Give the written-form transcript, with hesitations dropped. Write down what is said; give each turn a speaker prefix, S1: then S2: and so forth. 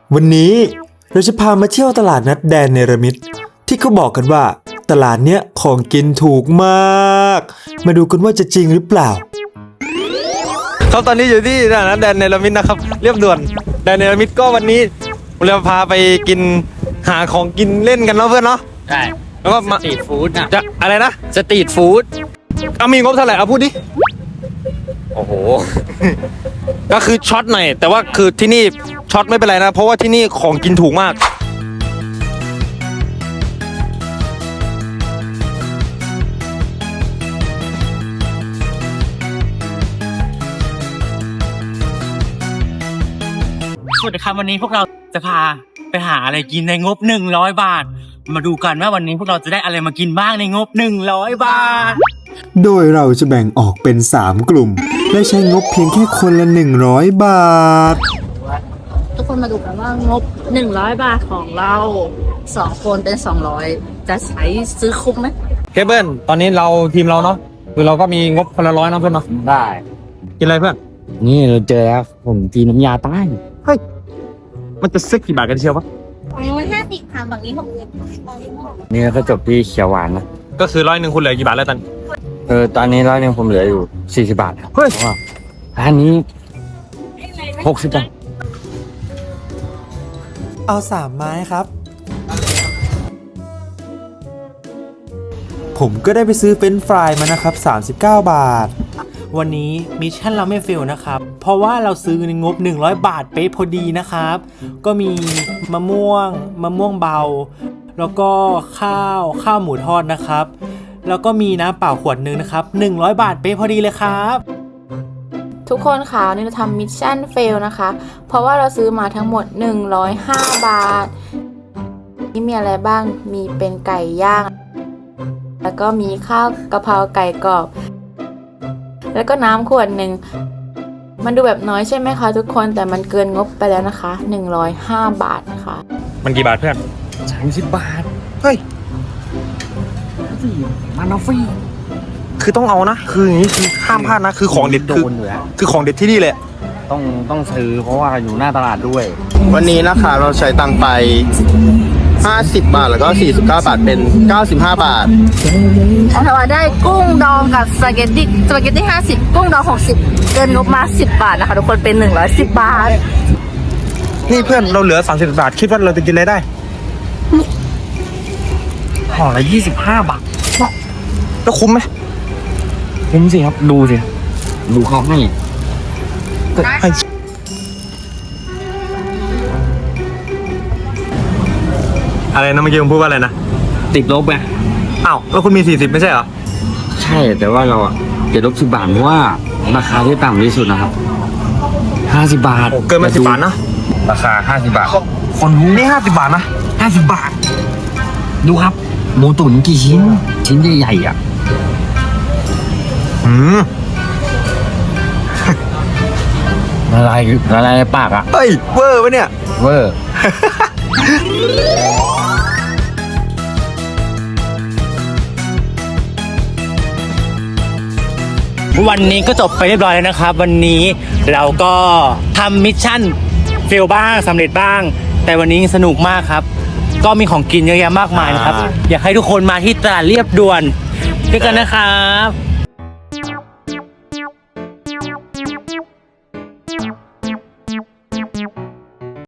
S1: วันนี้เราจะพามาเที่ยวตลาดนัดแดนเนรมิตที่เขาบอกกันว่าตลาดเนี้ยของกินถูกมากมาดูกันว่าจะจริงหรือเปล่า
S2: ครับตอนนี้อยู่ที่ตลาดนัดแดนเนรมิตนะครับเรียบด่วนแดนเนรมิตก็วันนี้เราพาไปกินหาของกินเล่นกันเนาะเพื่อนเนาะ
S3: ใช่
S2: แล้วก็มา
S3: สตรีทฟู้ดนะ
S2: จะอะไรนะ
S3: สตรีทฟู้ด
S2: เอามีงบเท่าไหร่เอาพูดดิโอ้โห ก็คือช็อตหน่อยแต่ว่าคือที่นี่ช็อตไม่เป็นไรนะเพราะว่าที่นี่ของกินถูกมาก
S3: สวัสดีครับวันนี้พวกเราจะพาไปหาอะไรกินในงบ100 บาทมาดูกันว่าวันนี้พวกเราจะได้อะไรมากินบ้างในงบ100 บาท
S1: โดยเราจะแบ่งออกเป็น3กลุ่มและใช้งบเพียงแค่คนละ100บาท
S4: ทุกคนมาดูกันว่างบ100 บาทของเรา2คนเป็น200จะใช้ซื้อคุ้มไหม
S2: เคเบิลตอนนี้เราทีมเราเนาะคือเราก็มีงบคนละ100นะเพื่อนเนาะ
S3: ได้
S2: กินอะไรเพื่อน
S3: นี่เราเจอแล้วผมทีน้ำยาใต้
S2: เฮ้ยมันจะซึกกี่บาทกันเชียววะ
S4: ฝั่งนู้น50ค่ะฝั่งนี้60
S3: นี่ก็จบที่เขียวหวานนะ
S2: ก็คือ100คุณเหลือกี่บาทแล้วตัน
S3: ตอนนี้100ผมเหลืออยู่40 บาทครับ
S2: เฮ้ย
S3: ร้านนี้60 บาท
S1: เอา3ไม้ครับผมก็ได้ไปซื้อเฟรนช์ฟรายมานะครับ39บาท
S5: วันนี้มิชชั่นเราไม่เฟลนะครับเพราะว่าเราซื้อในงบ100 บาทเป๊ะพอดีนะครับก็มีมะม่วงเบาแล้วก็ข้าวหมูทอดนะครับแล้วก็มีน้ำเปล่าขวดนึงนะครับ100 บาทเป๊ะพอดีเลยครับ
S6: ทุกคนค่ะนี่เราทำมิชชั่นเฟลนะคะเพราะว่าเราซื้อมาทั้งหมด105 บาทนี่มีอะไรบ้างมีเป็นไก่ย่างแล้วก็มีข้าวกะเพราไก่กรอบแล้วก็น้ำขวดหนึ่งมันดูแบบน้อยใช่ไหมคะทุกคนแต่มันเกินงบไปแล้วนะคะ105 บาทนะคะ
S2: มันกี่บาทเพื่อน
S3: 30 บาท
S2: เฮ้ย
S3: มันเอาฟรี
S2: คือต้องเอานะคืออย่างนี้คือห้ามพลาดนะคือของเด็ดคือของเด็ดที่นี่เลย
S3: ต้องซื้อเพราะว่าอยู่หน้าตลาดด้วย
S7: วันนี้นะคะเราใช้ตังค์ไป50 บาทแล้วก็49 บาทเป็น95 บาท
S4: แต่ว่าได้กุ้งดองกับสปาเกตตี้50กุ้งดอง60เกินงบมา10 บาทนะคะทุกคนเป็น110 บาท
S2: นี่เพื่อนเราเหลือ30 บาทคิดว่าเราจะกินอะไรได้
S3: ห่อละ25 บาท
S2: แล้วคุ้มไหม
S3: คุ้มสิครับดูสิดูเขาให้
S2: อะไรนะเมื่อกี้ผมพูดว่าอะไรนะ
S3: ติดลบไง
S2: อ้าวแล้วคุณมี40ไม่ใช่เหรอ
S3: ใช่แต่ว่าเราจะลบ10 บาทเพราะว่าราคาที่ต่ำที่สุดนะครับ50 บาท
S2: เกินมา10 บาทนะ
S3: ราคา50 บาท
S2: คนนี่50 บาทนะ
S3: 50 บาทดูครับหมูตุ๋นกี่ชิ้นใหญ่ๆอ่ะอะไรปากอ่ะ
S2: เฮ้ยเวอร์ปะเนี่ย
S3: เวอร์วันนี้ก็จบไปเรียบร้อยแล้วนะครับวันนี้เราก็ทำมิชชั่นเฟลบ้างสำเร็จบ้างแต่วันนี้สนุกมากครับก็มีของกินเยอะแยะมากมายนะครับอยากให้ทุกคนมาที่ตลาดเรียบด่วนด้วยกันนะครับ